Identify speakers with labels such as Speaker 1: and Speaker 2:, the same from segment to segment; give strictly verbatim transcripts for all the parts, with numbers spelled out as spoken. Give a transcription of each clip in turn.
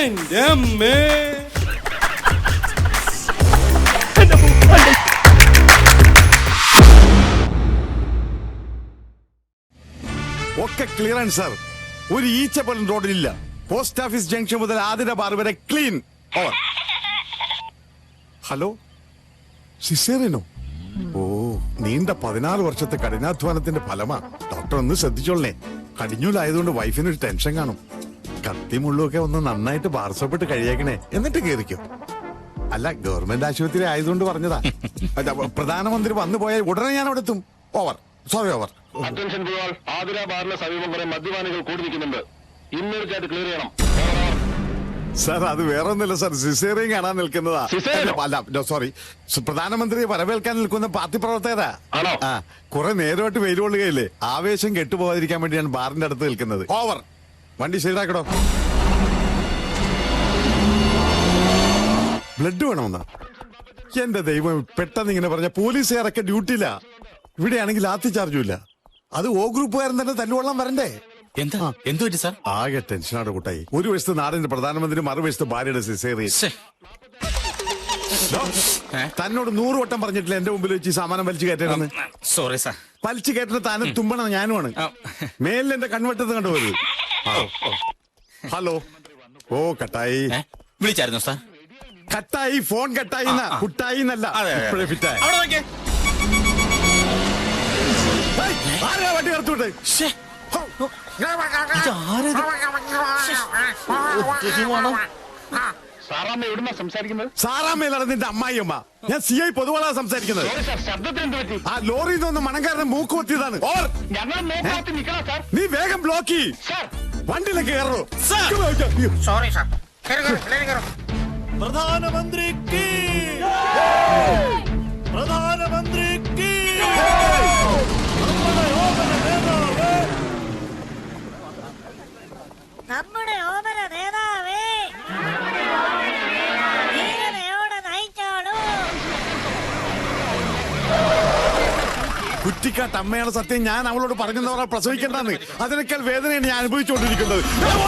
Speaker 1: എന്റെ അമ്മേ.
Speaker 2: ഒക്കെ ക്ലിയറൻസ് സാർ. ഒരു ഈച്ച പോലും റോഡിലില്ല. പോസ്റ്റ് ഓഫീസ് ജംഗ്ഷൻ മുതൽ ആതിര ബാർ വരെ ക്ലീൻ. ഓവർ. ഹലോ, സിസേറിയനോ? ഓ, നീണ്ട പതിനാറ് വർഷത്തെ കഠിനാധ്വാനത്തിന്റെ ഫലമാ. ഡോക്ടർ ഒന്ന് ശ്രദ്ധിച്ചോളേ. കടിഞ്ഞൂലായതുകൊണ്ട് വൈഫിനൊരു ടെൻഷൻ കാണും. കത്തി മുള്ളൊക്കെ ഒന്ന് നന്നായിട്ട് ബാർസപ്പെട്ട് കഴിയേക്കണേ, എന്നിട്ട് കേറിക്കോ. അല്ല, ഗവൺമെന്റ് ആശുപത്രി ആയതുകൊണ്ട് പറഞ്ഞതാ. പ്രധാനമന്ത്രി വന്നു പോയാൽ ഉടനെ ഞാൻ അവിടെ എത്തും. ഓവർ. Sorry, over.
Speaker 3: അറ്റൻഷൻ പോയാൽ ആതിര ബാറിന് സമീപം കുറെ മദ്യപാനികൾ കൂടി നിൽക്കുന്നുണ്ട്. ഇമ്മീഡിയറ്റ് ക്ലിയർ ചെയ്യണം.
Speaker 2: സാർ, അത് വേറെ ഒന്നുമില്ല സാർ, സിസേറിയൻ കാണാൻ നിൽക്കുന്നതാ. അല്ല, സോറി, പ്രധാനമന്ത്രിയെ വരവേൽക്കാൻ നിൽക്കുന്ന പാർട്ടി പ്രവർത്തകരാ. ആ, കുറെ നേരമായിട്ട് വെയിൽ കൊള്ളുകയില്ലേ, ആവേശം കെട്ടുപോകാതിരിക്കാൻ വേണ്ടിയാണ് ബാറിന്റെ അടുത്ത് നിൽക്കുന്നത്. ഓവർ. വണ്ടി ശരിയാക്കടോ. ബ്ലഡ് വേണമെന്നാ? എന്റെ ദൈവം, പെട്ടെന്ന് ഇങ്ങനെ പറഞ്ഞ പോലീസുകാരൊക്കെ ഡ്യൂട്ടിയില്ല. ഇവിടെയാണെങ്കിൽ ലാത്തി ചാർജും ഇല്ല. അത് ഓ ഗ്രൂപ്പുകാരൻ തന്നെ തല്ലുകൊള്ളാൻ വരണ്ടേ?
Speaker 4: എന്താ എന്ത് പറ്റി സാർ?
Speaker 2: ആകെ ടെൻഷനാണ് കൂട്ടായി. ഒരു വശത്ത് നാടിന്റെ പ്രധാനമന്ത്രി, മറുവശത്ത് ഭാര്യയുടെ സിസേറിയൻ. തന്നോട് നൂറ് വട്ടം പറഞ്ഞിട്ടില്ല എന്റെ മുമ്പിൽ വെച്ച് സാമാനം വലിച്ചു കയറ്റണമെന്ന്.
Speaker 4: Sorry sir.
Speaker 2: വലിച്ചു കയറ്റുന്ന താനും തുമ്പണം ഞാനുമാണ്. മേലിൽ എന്റെ കൺവെട്ടത്ത് കണ്ടുപോയത്. ഹലോ. ഓ, കട്ടായി.
Speaker 4: വിളിച്ചായിരുന്നു സാർ?
Speaker 2: കട്ടായി, ഫോൺ കട്ടായി. കുട്ടായി എന്നല്ല, ഇപ്പോഴേ ഫിറ്റായി. ആരാ വണ്ടി കടത്തുവിട്ടെ?
Speaker 3: സാറാമ്മ എവിടുന്നാ സംസാരിക്കുന്നത്?
Speaker 2: സാറാമ്മയിലാണ് നിന്റെ അമ്മായിയമ്മ. ഞാൻ സി ഐ പൊതുവാളാ സംസാരിക്കുന്നത്. ആ ലോറിയിൽ നിന്ന് മണങ്കാരനെ മൂക്ക് പൊത്തിയതാണ്. നീ വേഗം ബ്ലോക്ക് ചെയ്യ്. വണ്ടിയിലേക്ക് കയറോ.
Speaker 5: Sorry sir.
Speaker 6: പ്രധാനമന്ത്രിക്ക് പ്രധാനമന്ത്രിക്ക്
Speaker 5: നമ്മുടെ ഓമന നേതാവേ, ധീരതയോടെ നയിച്ചോളൂ.
Speaker 2: കുറ്റിക്കാട്ട് അമ്മയാണ് സത്യം. ഞാൻ അവളോട് പറഞ്ഞവരെ പ്രസവിക്കണ്ടെന്ന്. അതിനേക്കാൾ വേദനയാണ് ഞാൻ അനുഭവിച്ചുകൊണ്ടിരിക്കുന്നത്.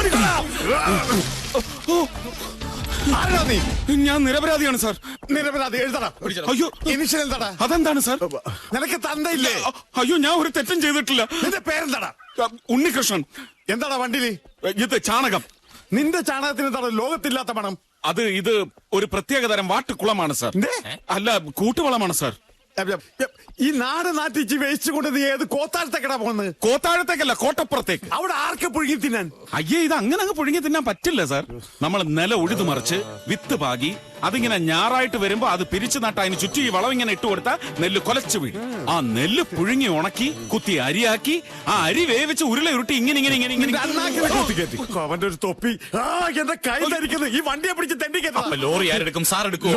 Speaker 2: ആരാ നീ?
Speaker 1: ഞാൻ നിരപരാധിയാണ് സാർ.
Speaker 2: നിരപരാധി എഴുതടാ.
Speaker 1: അയ്യോ,
Speaker 2: ഇനിഷ്യൽ എന്താടാ?
Speaker 1: അതെന്താണ് സാർ?
Speaker 2: നിനക്ക് തന്തയില്ലേ?
Speaker 1: അയ്യോ, ഞാൻ ഒരു തെറ്റും ചെയ്തിട്ടില്ല.
Speaker 2: നിന്റെ പേരെന്താടാ?
Speaker 1: ഉണ്ണികൃഷ്ണൻ.
Speaker 2: എന്താടാ വണ്ടിയില്?
Speaker 1: ഇത് ചാണകം.
Speaker 2: നിന്റെ ചാണകത്തിന് എന്താണ് ലോകത്തില്ലാത്ത മണം?
Speaker 1: അത് ഇത് ഒരു പ്രത്യേകതരം വാട്ടുകുളമാണ് സാർ. അല്ല, കൂട്ടുവളമാണ് സാർ.
Speaker 2: ഈ നാട് നാട്ടിച്ച് വേസ്റ്റ് കൊണ്ട് നീ ഏത് കോത്താഴത്തേക്കടാ പോകുന്നത്?
Speaker 1: കോത്താഴത്തേക്കല്ല, കോട്ടപ്പുറത്തേക്ക്.
Speaker 2: അവിടെ ആർക്ക് പുഴുങ്ങി തിന്നാൻ?
Speaker 1: അയ്യേ, ഇത് അങ്ങനെ അങ്ങ് പുഴുങ്ങി തിന്നാൻ പറ്റില്ല സാർ. നമ്മൾ നില ഉഴുതു മറിച്ച് വിത്ത് പാകി അതിങ്ങനെ ഞാറായിട്ട് വരുമ്പോ അത് പിരിച്ചു നട്ട അതിന് ചുറ്റി ഈ വളം ഇങ്ങനെ ഇട്ട് കൊടുത്താൽ നെല്ല് കൊലച്ചു വീഴും. ആ നെല്ല് പുഴുങ്ങി ഉണക്കി കുത്തി അരിയാക്കി ആ അരി വേവിച്ച് ഉരുള ഉരുട്ടി ഇങ്ങനെ ഇങ്ങനെ ഇങ്ങനെ ഇങ്ങനെ
Speaker 2: അവന്റെ ഒരു തൊപ്പി. ആ, എന്റെ കൈ ധരിക്കുന്നത്. ഈ വണ്ടിയെ പിടിച്ച് തെണ്ടിക്കത്ത.
Speaker 1: ലോറി ആരെടുക്കും? സാർ എടുക്കും.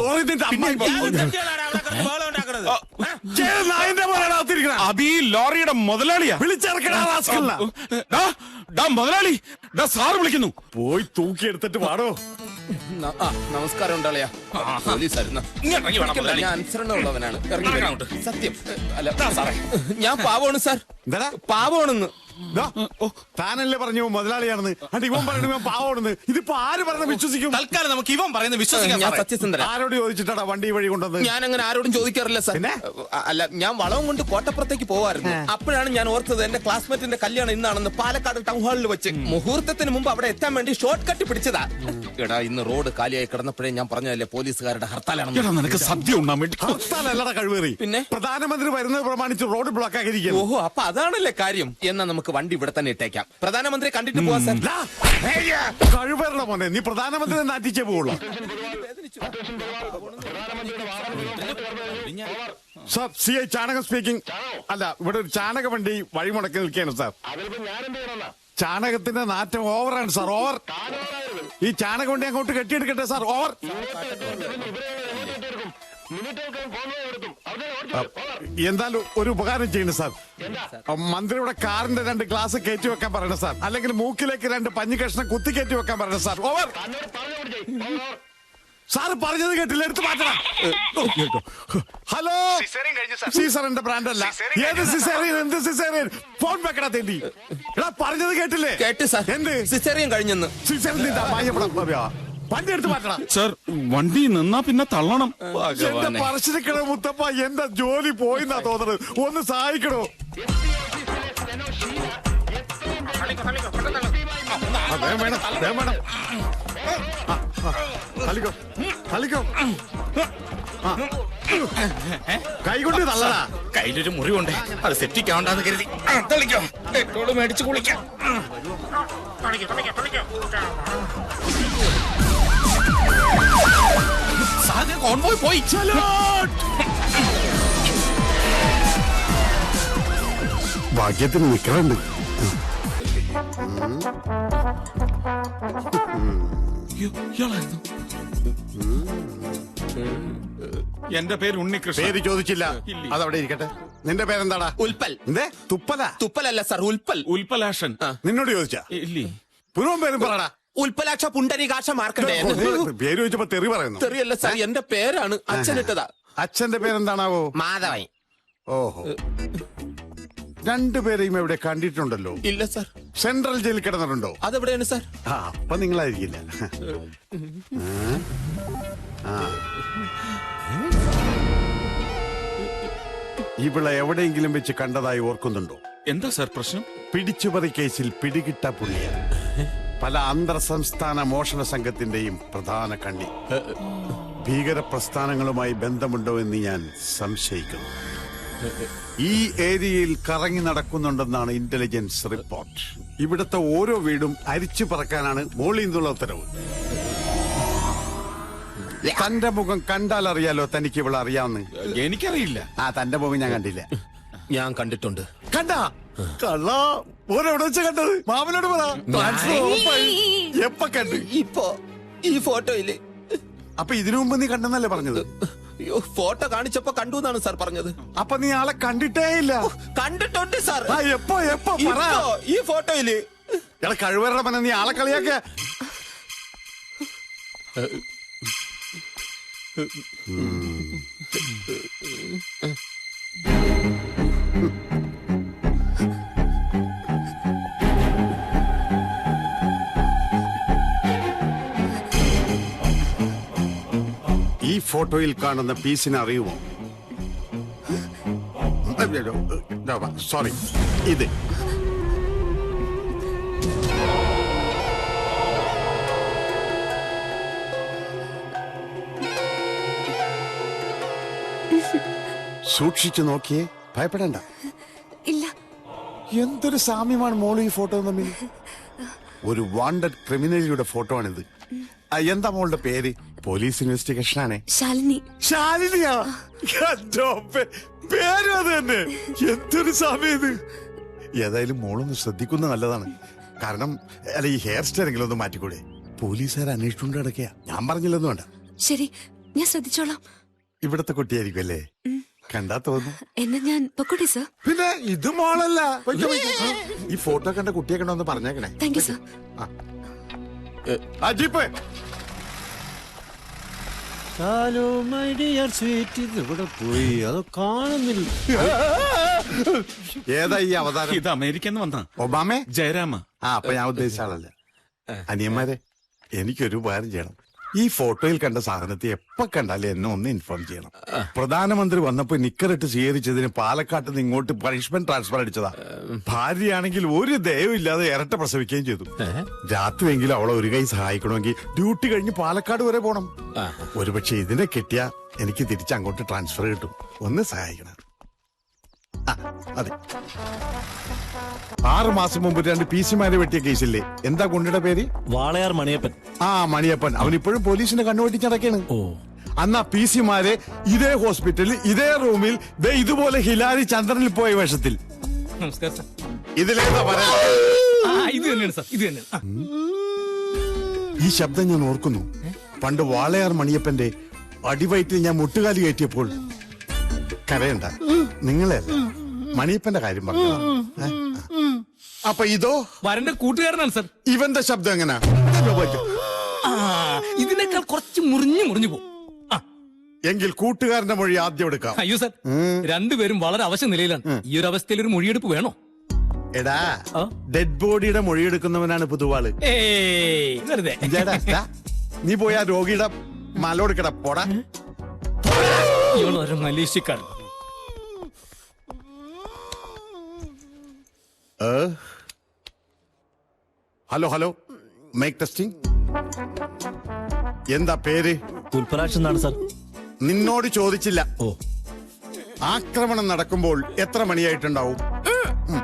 Speaker 1: അത് ഈ ലോറിയുടെ മുതലാളിയാ.
Speaker 2: വിളിച്ചിറക്കണ
Speaker 1: മുതലാളി. സാറ് വിളിക്കുന്നു.
Speaker 2: പോയി തൂക്കി എടുത്തിട്ട് പാടോ.
Speaker 7: നമസ്കാരം ഉണ്ടാളിയാ. ഞാൻ അനുസരണമുള്ളവനാണ്. സത്യം. അല്ല, ഞാൻ പാവമാണ് സാർ. പാവമാണെന്ന്
Speaker 2: താനല്ലേ പറഞ്ഞു മുതലാളിയാണെന്ന്. അണ്ട് ഇവൻ പറഞ്ഞു ഇവൻ പാവമാണെന്ന്. ഇതിപ്പോ ആര് പറഞ്ഞ വിശ്വസിക്കും?
Speaker 4: തൽക്കാലം നമുക്ക് ഇവൻ പറയുന്നത് വിശ്വസിക്കാം.
Speaker 7: ഞാൻ സത്യസന്ധന.
Speaker 2: ആരോട് ചോദിച്ചിട്ടാ വണ്ടി വഴി കൊണ്ടുവന്ന്?
Speaker 7: ഞാൻ അങ്ങനെ ആരോടും ചോദിക്കാറില്ല സാർ. അല്ല, ഞാൻ വളവും കൊണ്ട് കോട്ടപ്പുറത്തേക്ക് പോവായിരുന്നു. അപ്പോഴാണ് ഞാൻ ഓർത്തത് എന്റെ ക്ലാസ്മേറ്റിന്റെ കല്യാണം ഇന്നാണെന്ന്. പാലക്കാട് ടൗൺ ഹാളിൽ വെച്ച് മുഹൂർത്തത്തിന് മുമ്പ് അവിടെ എത്താൻ വേണ്ടി ഷോർട്ട് കട്ട് പിടിച്ചതാ. എടാ, ഇന്ന് റോഡ് കാലിയായി കിടന്നപ്പോഴേ ഞാൻ പറഞ്ഞതല്ലേ പോലീസുകാരുടെ ഹർത്താലാണ്.
Speaker 1: നിനക്ക് സദ്യ ഉണ്ടാൻ വേണ്ടി.
Speaker 2: ഹർത്താലല്ലടാ കഴിവേറി.
Speaker 7: പിന്നെ
Speaker 2: പ്രധാനമന്ത്രി വരുന്നത് പ്രമാണിച്ച് റോഡ് ബ്ലോക്ക് ആക്കിയിരിക്കും.
Speaker 7: ഓഹോ, അപ്പൊ അതാണല്ലേ കാര്യം. എന്നാ നമുക്ക് വണ്ടി ഇവിടെ തന്നെ ഇട്ടേക്കാം. പ്രധാനമന്ത്രി കണ്ടിട്ട് പോവാ സാർ.
Speaker 2: കഴിവേറുടെ മോനെ, നീ പ്രധാനമന്ത്രി നാട്ടിച്ചേ പോവുള്ളൂ. സാർ, സി ഐ ചാണകം സ്പീക്കിംഗ്. അല്ല, ഇവിടെ ഒരു ചാണക വണ്ടി വഴിമുടക്കി നിൽക്കുകയാണ് സാർ. ചാണകത്തിന്റെ നാറ്റം ഓവറാണ് സാർ, ഓവർ. ഈ ചാണക വണ്ടി അങ്ങോട്ട് കെട്ടിയെടുക്കട്ടെ സാർ, ഓവർ. എന്തായാലും ഒരു ഉപകാരം ചെയ്യണം സാർ. മന്ത്രിയുടെ കാറിന്റെ രണ്ട് ഗ്ലാസ് കയറ്റി വെക്കാൻ പറയണം സാർ. അല്ലെങ്കിൽ മൂക്കിലേക്ക് രണ്ട് പഞ്ഞി കഷ്ണം കുത്തി കയറ്റി വെക്കാൻ പറയണം സാർ, ഓവർ. സാറ് പറഞ്ഞത് കേട്ടില്ല, എടുത്ത് മാറ്റണം. ഹലോ, സീസറിന്റെ ബ്രാൻഡ് അല്ല. ഏത് സിസേറിയൻ? എന്ത് സിസേറിയൻ? ഫോൺ വെക്കടാ തേണ്ടി. എടാ, പറഞ്ഞത് കേട്ടില്ലേ?
Speaker 7: കേട്ട് സാർ.
Speaker 2: എന്ത്
Speaker 7: സിസേറിയൻ കഴിഞ്ഞെന്ന്?
Speaker 2: സിസേറിയൻ വണ്ടി എടുത്ത് മാറ്റണം.
Speaker 1: സർ വണ്ടി നിന്നാ പിന്നെ തള്ളണം.
Speaker 2: എന്റെ പറശ്ശിനിക്കട മുത്തപ്പ, എന്റെ ജോലി പോയിന്നാ തോന്നുന്നത്. ഒന്ന് സഹായിക്കണോ? ആ, വേഗം വേണം, വേഗം വേണം. ആ, ആ, തള്ളിക്കോ, തള്ളിക്കോ. ആ, കൈ കൊണ്ട് തള്ളടാ.
Speaker 4: കയ്യിലൊരു മുറിവുണ്ട്, അത് സെപ്റ്റിക് ആവണ്ടെന്ന് കരുതി ആ, തളിക്കോ. ഡെറ്റോള് മേടിച്ച് കുളിക്കാം. സാധനം കോൺവോയ് പോയി.
Speaker 2: ഭാഗ്യത്തിന് നിക്കറുണ്ട്.
Speaker 1: ഇയാളായിരുന്നു. എന്റെ പേര് ഉണ്ണികൃഷ്ണൻ.
Speaker 2: പേര് ചോദിച്ചില്ല,
Speaker 1: ഇല്ല.
Speaker 2: അതവിടെ ഇരിക്കട്ടെ. നിന്റെ പേരെന്താടാ?
Speaker 7: ഉൽപ്പൽ.
Speaker 2: എന്തേ തുപ്പല?
Speaker 7: തുപ്പലല്ല സാർ, ഉൽപ്പൽ.
Speaker 1: ഉൽപ്പലാഷൻ.
Speaker 2: നിന്നോട് ചോദിച്ചാ?
Speaker 1: ഇല്ലേ.
Speaker 2: പുനവും പേരും പറടാ.
Speaker 7: ഉൽപ്പലാക്ഷ പുണ്ടരീകാക്ഷ മാർക്കണ്ടേ.
Speaker 2: പേര് ചോദിച്ചപ്പോ തെറി പറയുന്നു.
Speaker 7: തെറിയല്ല സാർ, എന്റെ പേരാണ്. അച്ഛനിട്ടതാ.
Speaker 2: അച്ഛന്റെ പേരെന്താണാവോ?
Speaker 7: മാധവൻ.
Speaker 2: ഓഹോ, രണ്ടുപേരെയും എവിടെ കണ്ടിട്ടുണ്ടല്ലോ.
Speaker 7: ഇല്ല സാർ.
Speaker 2: സെൻട്രൽ ജയിലിൽ കിടന്നിട്ടുണ്ടോ?
Speaker 7: അതെവിടെയാണ് സാർ?
Speaker 2: ആ, അപ്പൊ നിങ്ങളായിരിക്കില്ല. ആ. ഇവിടെ എവിടെയെങ്കിലും വെച്ച് കണ്ടതായി ഓർക്കുന്നുണ്ടോ?
Speaker 1: എന്താ സാർ പ്രശ്നം?
Speaker 2: പിടിച്ചുപറി കേസിൽ പിടികിട്ട പുള്ളിയ. പല അന്തർ സംസ്ഥാന മോഷണ സംഘത്തിന്റെയും പ്രധാന കണ്ണി. ഭീകര പ്രസ്ഥാനങ്ങളുമായി ബന്ധമുണ്ടോ എന്ന് ഞാൻ സംശയിക്കുന്നു. ഈ ഏരിയയിൽ കറങ്ങി നടക്കുന്നുണ്ടെന്നാണ് ഇന്റലിജൻസ് റിപ്പോർട്ട്. ഇവിടുത്തെ ഓരോ വീടും അരിച്ചു പറക്കാനാണ് മോളിൽ നിന്നുള്ള ഉത്തരവ്. തന്റെ മുഖം കണ്ടാൽ അറിയാലോ തനിക്ക് ഇവിടെ അറിയാവുന്ന.
Speaker 1: എനിക്കറിയില്ല.
Speaker 2: ആ, തന്റെ മുഖം ഞാൻ കണ്ടില്ല.
Speaker 7: ഞാൻ കണ്ടിട്ടുണ്ട്.
Speaker 2: കണ്ടാ കള്ള ഓരെവിടെ വെച്ച കണ്ടത്? മാമനോട് പറ. ട്രാൻസ്ഫർ ഉറപ്പായി. എപ്പ കണ്ട്?
Speaker 7: ഇപ്പോ ഈ ഫോട്ടോയില്.
Speaker 2: അപ്പൊ ഇതിനു മുമ്പ് നീ കണ്ടെന്നല്ലേ പറഞ്ഞത്?
Speaker 7: അയ്യോ, ഫോട്ടോ കാണിച്ചപ്പോ കണ്ടു എന്നാണ് സാർ പറഞ്ഞത്.
Speaker 2: അപ്പൊ നീ ആളെ കണ്ടിട്ടേ ഇല്ല?
Speaker 7: കണ്ടിട്ടുണ്ട് സാർ.
Speaker 2: ആ, എപ്പോ എപ്പോ പറ.
Speaker 7: ഇപ്പോ ഈ ഫോട്ടോയില്.
Speaker 2: എടാ കഴിവരുടെ മന, നീ ആളെ കളിയാക്ക. ഈ ഫോട്ടോയിൽ കാണുന്ന പീസിനെ അറിയുമോ? സോറി, ഇത് സൂക്ഷിച്ചു നോക്കിയേ, ഭയപ്പെടണ്ട.
Speaker 8: ഇല്ല.
Speaker 2: എന്തൊരു സാമ്യമാണ് മോള് ഈ ഫോട്ടോ തമ്മിൽ. ഒരു വാണ്ടഡ് ക്രിമിനലിയുടെ ഫോട്ടോ ആണിത്. ആ, എന്താ മോളുടെ പേര്? പോലീസ് ഇൻവെസ്റ്റിഗേഷൻ ആണ്.
Speaker 8: ശാലിനി.
Speaker 2: ശാലിനിയാ? പേരും അത് തന്നെ. എന്തൊരു സാമ്യം ഇത്. ഏതായാലും മോളൊന്ന് ശ്രദ്ധിക്കുന്ന നല്ലതാണ്. കാരണം അല്ല, ഈ ഹെയർ സ്റ്റൈലെങ്കിലും ഒന്ന് മാറ്റിക്കൂടെ? പോലീസുകാർ അന്വേഷിച്ചുകൊണ്ട് കിടക്കുക. ഞാൻ പറഞ്ഞില്ലെന്ന് വേണ്ട.
Speaker 8: ശരി, ഞാൻ ശ്രദ്ധിച്ചോളാം.
Speaker 2: ഇവിടത്തെ കുട്ടിയായിരിക്കും അല്ലേ? കണ്ടാ തോന്നുന്നു.
Speaker 8: എന്നാ ഞാൻ പൊക്കോട്ടെ സർ.
Speaker 2: പിന്നെ ഇത് മോളല്ല. വയ്ക്കോ, വയ്ക്കോ. ഈ ഫോട്ടോ കണ്ട കുട്ടിയെ കണ്ടോന്ന് പറഞ്ഞേക്കണേ.
Speaker 8: Thank you sir.
Speaker 2: ആ jeep
Speaker 6: hello my dear sweet, ഇത് ഇവിടെ പോയി അത് കാണുന്നില്ല.
Speaker 2: ഏതാ ഈ അവതാരം?
Speaker 1: ഇത് അമേരിക്കന്ന് വന്ന
Speaker 2: ഒബാമേ?
Speaker 1: ജയരാമ.
Speaker 2: ആ, അപ്പൊ ഞാൻ ഉദ്ദേശിച്ച ആളല്ല. അനിയന്മാരെ, എനിക്കൊരു ഉപകാരം ചെയ്യണം. ഈ ഫോട്ടോയിൽ കണ്ട സാധനത്തെ എപ്പോ കണ്ടാലും എന്നെ ഒന്ന് ഇൻഫോം ചെയ്യണം. പ്രധാനമന്ത്രി വന്നപ്പോ നിക്കറിട്ട് സ്വീകരിച്ചതിന് പാലക്കാട്ട് നിന്ന് ഇങ്ങോട്ട് പണിഷ്മെന്റ് ട്രാൻസ്ഫർ അടിച്ചതാ. ഭാര്യയാണെങ്കിൽ ഒരു ദയവില്ലാതെ ഇരട്ട പ്രസവിക്കുകയും ചെയ്തു. രാത്രിയെങ്കിലും അവളെ ഒരു കൈ സഹായിക്കണമെങ്കിൽ ഡ്യൂട്ടി കഴിഞ്ഞ് പാലക്കാട് വരെ പോണം. ഒരുപക്ഷെ ഇതിനെ കിട്ടിയാ എനിക്ക് തിരിച്ച് അങ്ങോട്ട് ട്രാൻസ്ഫർ കിട്ടും. ഒന്ന് സഹായിക്കണം. ആ, അതെ. ആറ് മാസം മുമ്പ് രണ്ട് പി സിമാരെ വെട്ടിയ കേസില്ലേ, എന്താ ഗുണ്ടയുടെ പേര്?
Speaker 6: വാളയാർ മണിയപ്പൻ.
Speaker 2: ആ, മണിയപ്പൻ. അവൻ ഇപ്പോഴും പോലീസിന്റെ കണ്ണുവെട്ടിച്ചടക്കാണ്.
Speaker 6: ഓ,
Speaker 2: അന്ന് ആ പി സിമാരെ ഇതേ ഹോസ്പിറ്റലിൽ ഇതേ റൂമിൽ ദേ ഇതുപോലെ ഹിലാരി ചന്ദ്രനിൽ പോയ വേഷത്തിൽ.
Speaker 4: നമസ്കാരം സാർ.
Speaker 2: ഇതിലേതാ പറയാ?
Speaker 4: ഇത് തന്നെയാണ് സാർ, ഇത് തന്നെയാണ്.
Speaker 2: ഈ ശബ്ദം ഞാൻ ഓർക്കുന്നു. പണ്ട് വാളയാർ മണിയപ്പന്റെ അടിവയറ്റിൽ ഞാൻ മുട്ടുകാലി കയറ്റിയപ്പോൾ. കരയണ്ട, നിങ്ങളെ മണിയപ്പന്റെ കാര്യം പറഞ്ഞു. അപ്പൊ ഇതോ
Speaker 4: വരന്റെ കൂട്ടുകാരനാണ് സാർ.
Speaker 2: ഇവന്റെ ശബ്ദം എങ്ങനാ?
Speaker 4: ഇതിനേക്കാൾ കുറച്ച് മുറിഞ്ഞു മുറിഞ്ഞു പോകും.
Speaker 2: എങ്കിൽ കൂട്ടുകാരന്റെ മൊഴി ആദ്യം എടുക്കാം.
Speaker 4: അയ്യോ സാർ, രണ്ടുപേരും വളരെ അവശ നിലയിലാണ്. ഈ ഒരു അവസ്ഥയിൽ ഒരു മൊഴിയെടുപ്പ് വേണോ?
Speaker 2: എടാ, ഡെഡ് ബോഡിയുടെ മൊഴിയെടുക്കുന്നവനാണ് പുതുവാള്.
Speaker 4: ഏയ് വെറുതെ.
Speaker 2: ഇതാടാ, ദാ. നീ പോയി ആ രോഗിയുടെ മാലോടുക്കട പോടാ.
Speaker 4: ഇവളൊരു മലേഷ്യക്കാരൻ.
Speaker 2: Hello hello mike testing. എന്താ പേര്?
Speaker 6: പുൽപ്പരാക്ഷൻ എന്നാണ് സാർ.
Speaker 2: നിന്നോട് ചോദിച്ചില്ല.
Speaker 6: ഓ,
Speaker 2: ആക്രമണം നടക്കുമ്പോൾ എത്ര മണിയായിട്ടുണ്ടാവും? ഉം.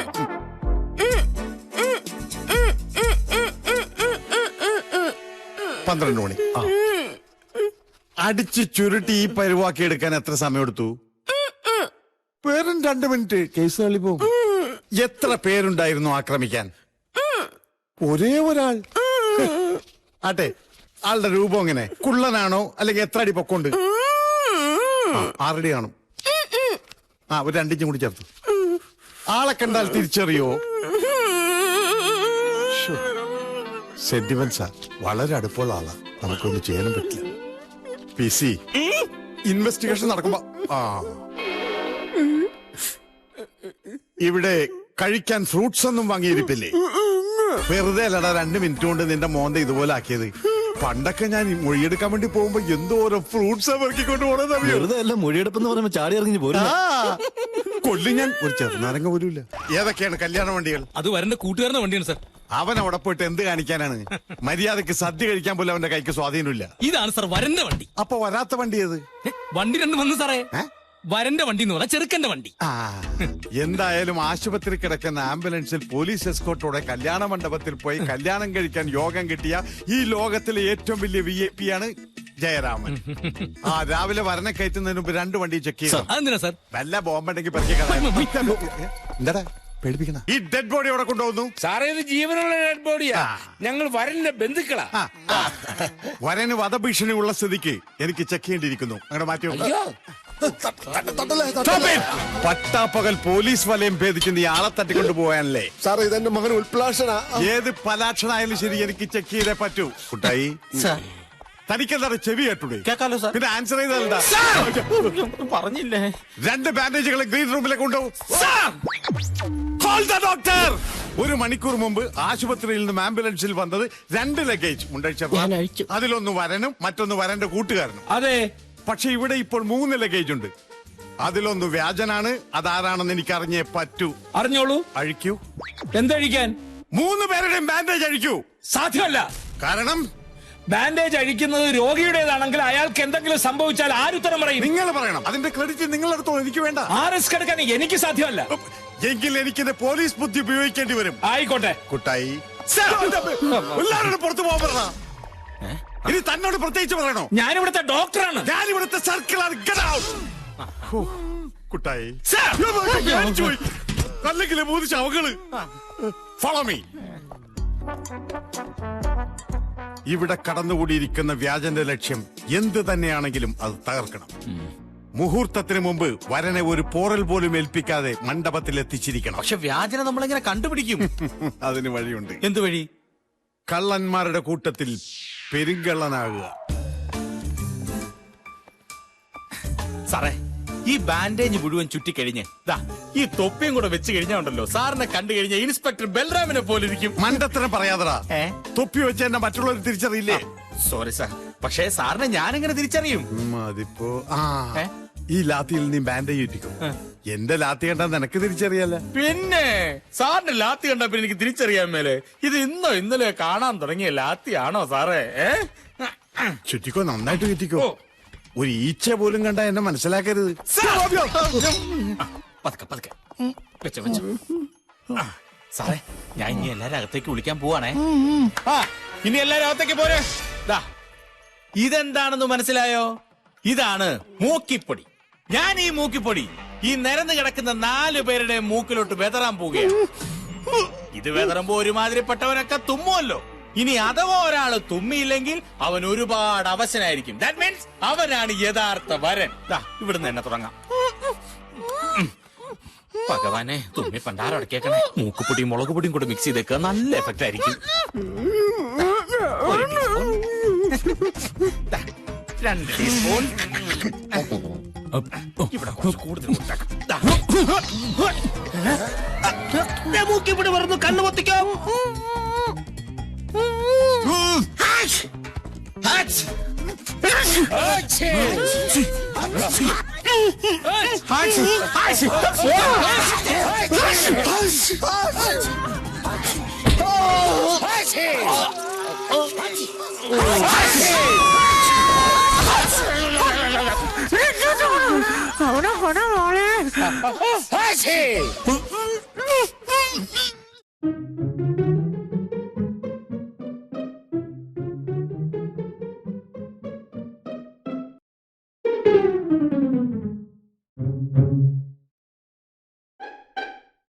Speaker 2: പന്ത്രണ്ട് മണി. അടിച്ച് ചുരുട്ടി ഈ പരുവാക്കി എടുക്കാൻ എത്ര സമയമെടുത്തു? വെറും രണ്ട് മിനിറ്റ്, കേസ് കളിപ്പോവും. എത്ര പേരുണ്ടായിരുന്നു ആക്രമിക്കാൻ? ഒരേ ഒരാൾ. ആട്ടെ, ആളുടെ രൂപം എങ്ങനെ? കുള്ളനാണോ അല്ലെങ്കിൽ എത്ര അടി പൊക്കമുണ്ട്? ആറടി കാണും. ആ, ഒരു രണ്ടിഞ്ചും കൂടി ചേർത്തു. ആളെ കണ്ടാൽ തിരിച്ചറിയോ? സെന്റിമെന്റ്സാ. വളരെ അടുപ്പമുള്ള ആളാ, നമുക്കൊന്നും ചെയ്യാനും പറ്റില്ല. പി സി ഇൻവെസ്റ്റിഗേഷൻ നടക്കുമ്പോ ആ ഇവിടെ കഴിക്കാൻ ഫ്രൂട്ട്സ് ഒന്നും വാങ്ങിയിരിപ്പില്ലേ? വെറുതെ അല്ലടാ രണ്ട് മിനിറ്റ് കൊണ്ട് നിന്റെ മോന്ത ഇതുപോലെ ആക്കിയത്. പണ്ടൊക്കെ ഞാൻ മൊഴിയെടുക്കാൻ വേണ്ടി പോകുമ്പോ എന്തോരം ഫ്രൂട്ട്സ് പെറുക്കിക്കൊണ്ട് പോണെന്നറിയോ?
Speaker 6: വെറുതെ അല്ല, മൊഴിയെടുപ്പെന്ന് പറയുമ്പോ ചാടി ഇറങ്ങി പോരും.
Speaker 2: കൊല്ലി ഞാൻ ഒരു ചെറുനാരങ്ങ പോലുമില്ല. ഏതൊക്കെയാണ് കല്യാണ വണ്ടികൾ?
Speaker 4: അത് വരന്റെ കൂട്ടുകാരന്റെ വണ്ടിയാണ് സാർ.
Speaker 2: അവൻ അവിടെ പോയിട്ട് എന്ത് കാണിക്കാനാണ്? മര്യാദക്ക് സദ്യ കഴിക്കാൻ പോലും അവന്റെ കൈക്ക് സ്വാധീനമില്ല.
Speaker 4: ഇതാണ് സാർ വരന്റെ വണ്ടി.
Speaker 2: അപ്പൊ വരാത്ത വണ്ടി ഏത്?
Speaker 4: ഏ, വണ്ടി രണ്ട് വന്നു സാറേ. വരന്റെ വണ്ടി എന്ന് പറഞ്ഞാൽ ചെറുക്കന്റെ വണ്ടി.
Speaker 2: ആ, എന്തായാലും ആശുപത്രി കിടക്കുന്ന ആംബുലൻസിൽ പോലീസ് എസ്കോർട്ടോടെ കല്യാണ മണ്ഡപത്തിൽ പോയി കല്യാണം കഴിക്കാൻ യോഗം കിട്ടിയ ഈ ലോകത്തിലെ ഏറ്റവും വലിയ വി ഐ പി ആണ് ജയരാമൻ. ആ, രാവിലെ വരനെ കയറ്റുന്നതിന് മുമ്പ് രണ്ട് വണ്ടി ചെക്ക് ചെയ്തു.
Speaker 4: അതെന്തിനാ സാർ?
Speaker 2: വല്ല ബോംബുണ്ടെങ്കിൽ എന്താടാ പേടിപ്പിക്കണ? ഈ ഡെഡ് ബോഡി അവിടെ കൊണ്ടുപോകുന്നു.
Speaker 7: സാറേ, ഇത് ജീവനുള്ള ഡെഡ് ബോഡിയാ. ഞങ്ങൾ വരന്റെ ബന്ധുക്കളാ.
Speaker 2: ആ, ആ. വരന് വധഭീഷണി ഉള്ള സ്ഥിതിക്ക് എനിക്ക് ചെക്ക് ചെയ്യേണ്ടിയിരിക്കുന്നു. അങ്ങനെ മാറ്റി വെക്ക്. പട്ടാപ്പകൽ പോലീസ് വലയം ഭേദിക്കുന്ന ഈ ആളെ തട്ടിക്കൊണ്ടു പോകാനല്ലേ?
Speaker 9: സാർ, ഇതെന്റെ മകൻ ഉൽപ്ലാഷന.
Speaker 2: ഏത് പലാക്ഷനായാലും ശരി എനിക്ക് ചെക്ക് ചെയ്തേ പറ്റൂ. കുട്ടായി, തനിക്കെന്താണ് ചെവി കേട്ടൂടെ?
Speaker 6: കേക്കാലോ സാർ.
Speaker 2: പിന്നെ ആൻസർ ചെയ്തല്ല.
Speaker 6: പറഞ്ഞില്ലേ?
Speaker 2: രണ്ട് ബാൻഡേജുകൾ ഗ്രീൻ റൂമിലേക്ക് കൊണ്ടുപോകും. ഡോക്ടർ, ഒരു മണിക്കൂർ മുമ്പ് ആശുപത്രിയിൽ നിന്നും ആംബുലൻസിൽ വന്നത് രണ്ട് ലഗേജ് ഉണ്ടഴിച്ചു. അതിലൊന്ന് വരനും മറ്റൊന്ന് വരന്റെ കൂട്ടുകാരനും.
Speaker 7: അതെ,
Speaker 2: പക്ഷെ ഇവിടെ ഇപ്പോൾ മൂന്ന് ലഗേജ് ഉണ്ട്. അതിലൊന്ന് വ്യാജനാണ്. അതാരാണെന്ന് എനിക്ക് അറിഞ്ഞേ പറ്റൂ.
Speaker 7: അറിഞ്ഞോളൂ.
Speaker 2: അഴിക്കൂ.
Speaker 7: എന്തഴിക്കാൻ?
Speaker 2: മൂന്ന് പേരുടെയും ബാൻഡേജ് അഴിക്കൂ.
Speaker 7: സാധ്യമല്ല.
Speaker 2: കാരണം
Speaker 7: ബാൻഡേജ് അഴിക്കുന്നത് രോഗിയുടേതാണെങ്കിൽ അയാൾക്ക് എന്തെങ്കിലും സംഭവിച്ചാൽ ആരുത്തരം പറയും?
Speaker 2: നിങ്ങൾ പറയണം. അതിന്റെ ക്രെഡിറ്റ് നിങ്ങളെടുത്തോളൂ, എനിക്ക് വേണ്ട.
Speaker 7: ആ റിസ്ക് എടുക്കാൻ എനിക്ക് സാധ്യമല്ല.
Speaker 2: എങ്കിൽ എനിക്കിത് പോലീസ് ബുദ്ധി ഉപയോഗിക്കേണ്ടി വരും.
Speaker 7: ആയിക്കോട്ടെ.
Speaker 2: കുട്ടായി, എല്ലാവരോടും പുറത്തു പോകാൻ പറഞ്ഞ. ഇനി തന്നോട് പ്രത്യേകിച്ച് പറയണോ?
Speaker 7: ഞാനിവിടുത്തെ ഡോക്ടറാണ്.
Speaker 2: ഞാനിവിടുത്തെ സർക്കിളാണ്. കുട്ടായി, അല്ലെങ്കിൽ മൂന്ന് ശവകള്. Follow me. ഇവിടെ കടന്നുകൂടിയിരിക്കുന്ന വ്യാജന്റെ ലക്ഷ്യം എന്ത് തന്നെയാണെങ്കിലും അത് തകർക്കണം. മുഹൂർത്തത്തിന് മുമ്പ് വരനെ ഒരു പോറൽ പോലും ഏൽപ്പിക്കാതെ മണ്ഡപത്തിൽ എത്തിച്ചിരിക്കണം.
Speaker 4: പക്ഷെ വ്യാജനെ നമ്മളെങ്ങനെ കണ്ടുപിടിക്കും?
Speaker 2: അതിന് വഴിയുണ്ട്.
Speaker 4: എന്ത് വഴി?
Speaker 2: കള്ളന്മാരുടെ കൂട്ടത്തിൽ പെരുങ്കള്ളനാകുക.
Speaker 4: സാറേ, ഈ ബാൻഡേജ് മുഴുവൻ ചുറ്റിക്കഴിഞ്ഞ് ദാ ഈ തൊപ്പിയും കൂടെ വെച്ച് കഴിഞ്ഞാ ഉണ്ടല്ലോ, സാറിനെ കണ്ടു കഴിഞ്ഞ ഇൻസ്പെക്ടർ ബൽറാമിനെ പോലെ ഇരിക്കും.
Speaker 2: മണ്ടത്തരം പറയാതടാ.
Speaker 4: ഏ?
Speaker 2: തൊപ്പി വെച്ച് എന്നെ മറ്റുള്ളവർ തിരിച്ചറിയില്ലേ?
Speaker 4: സോറി സാർ, പക്ഷേ സാറിനെ ഞാനെങ്ങനെ തിരിച്ചറിയും?
Speaker 2: അതിപ്പോ ആ
Speaker 4: ഏ?
Speaker 2: ഈ ലാത്തിയിൽ നീ ബാൻഡേജ് ചുറ്റിക്കും. എന്റെ ലാത്തി കണ്ടാ നിനക്ക് തിരിച്ചറിയാല.
Speaker 4: പിന്നെ സാറിന്റെ ലാത്തി കണ്ടപ്പോ എനിക്ക് തിരിച്ചറിയാൻ മേലെ ഇത് ഇന്നോ ഇന്നലെ കാണാൻ തുടങ്ങിയ ലാത്തിയാണോ സാറേ? ഏ?
Speaker 2: ചുറ്റിക്കോ, നന്നായിട്ട് ചുറ്റിക്കോ. ഒരു ഈച്ച പോലും കണ്ടാ എന്നെ മനസ്സിലാക്കരുത്.
Speaker 4: പതുക്കെ പതുക്കെ വെച്ചോ വെച്ചോ. ആ, സാറേ, ഞാൻ ഇനി എല്ലാരും അകത്തേക്ക് വിളിക്കാൻ പോവാണേ. ആ, ഇനി എല്ലാരും അകത്തേക്ക് പോരെ. ദാ, ഇതെന്താണെന്ന് മനസ്സിലായോ? ഇതാണ് മൂക്കിപ്പൊടി. ഞാൻ ഈ മൂക്കിപ്പൊടി ഈ നിരന്ന് കിടക്കുന്ന നാലു പേരുടെ മൂക്കിലോട്ട് വെതറാൻ പോവുകയാണ്. ഇത് വെതറുമ്പോ ഒരുമാതിരിപ്പെട്ടവനൊക്കെ തുമ്മുമല്ലോ. ഇനി അഥവാ ഒരാള് തുമ്മിയില്ലെങ്കിൽ അവൻ ഒരുപാട് അവശനായിരിക്കും. ദാറ്റ് മീൻസ് അവനാണ് യഥാർത്ഥ വരൻ. ദാ, ഇവിടുന്ന് തന്നെ തുടങ്ങാം. ഭഗവാനെ, തുമ്മി പണ്ടാരടക്കേക്കണേ. മൂക്കുപൊടിയും മുളക് പൊടിയും കൂടെ മിക്സ് ചെയ്തേക്കുക, നല്ല എഫക്റ്റ് ആയിരിക്കും. ഒരു ടീസ്പൂൺ, ദാ, രണ്ട് ടീസ്പൂൺ. ഇവിടെ കുറച്ച് കൂടുതൽ ഉണ്ടാക്കാം. മൂക്കിപ്പൊടി പറഞ്ഞു കണ്ണു പൊത്തിക്കാം.
Speaker 5: അവിടെ കൊട മോളെ